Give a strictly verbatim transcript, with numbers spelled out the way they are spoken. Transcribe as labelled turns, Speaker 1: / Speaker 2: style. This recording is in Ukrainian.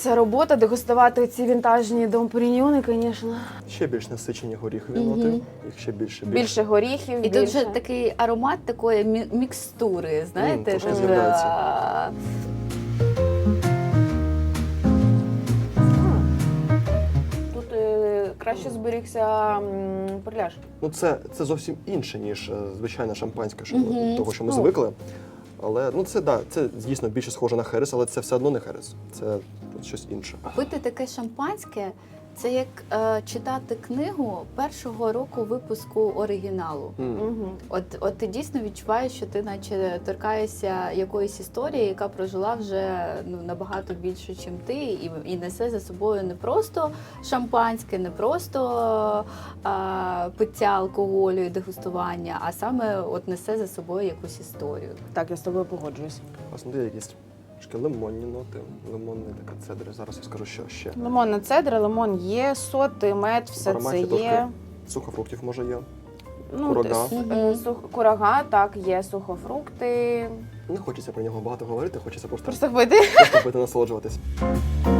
Speaker 1: ця робота, дегустувати ці вінтажні Дом Періньйони, звісно.
Speaker 2: Ще більш насичені горіхові ноти, їх ще більше. більше.
Speaker 1: Більше горіхів,
Speaker 3: І
Speaker 1: більше.
Speaker 3: тут же такий аромат такої мі- мікстури, знаєте?
Speaker 2: трошки
Speaker 3: Тут,
Speaker 2: з'являється.
Speaker 3: а,
Speaker 1: Тут е, краще зберігся м, перляж.
Speaker 2: Ну це, це зовсім інше, ніж е, звичайне шампанське, що,
Speaker 3: Мгм.
Speaker 2: того, що ми
Speaker 1: Ну.
Speaker 2: звикли. Але ну це да, це дійсно більше схоже на херес, але це все одно не херес. Це щось інше.
Speaker 3: Пити таке шампанське – це як е, читати книгу першого року випуску оригіналу.
Speaker 2: М.
Speaker 1: Угу.
Speaker 3: От, от ти дійсно відчуваєш, що ти наче торкаєшся якоїсь історії, яка прожила вже ну, набагато більше, ніж ти, і, і несе за собою не просто шампанське, не просто а, пиття алкоголю і дегустування, а саме от несе за собою якусь історію.
Speaker 1: Так, я з тобою погоджуюсь.
Speaker 2: Власне, є якісь трошки лимонні ноти, лимонний така цедри. Зараз я скажу, що ще.
Speaker 1: Лимонна цедра, лимон є, соти, мед, все
Speaker 2: В ароматі
Speaker 1: це
Speaker 2: трошки
Speaker 1: є.
Speaker 2: Сухофруктів може є.
Speaker 1: Ну,
Speaker 2: Курага.
Speaker 1: с- е, сух, курага, так, є сухофрукти.
Speaker 2: Не хочеться про нього багато говорити, хочеться просто,
Speaker 1: Просто пити.
Speaker 2: просто пити, насолоджуватись.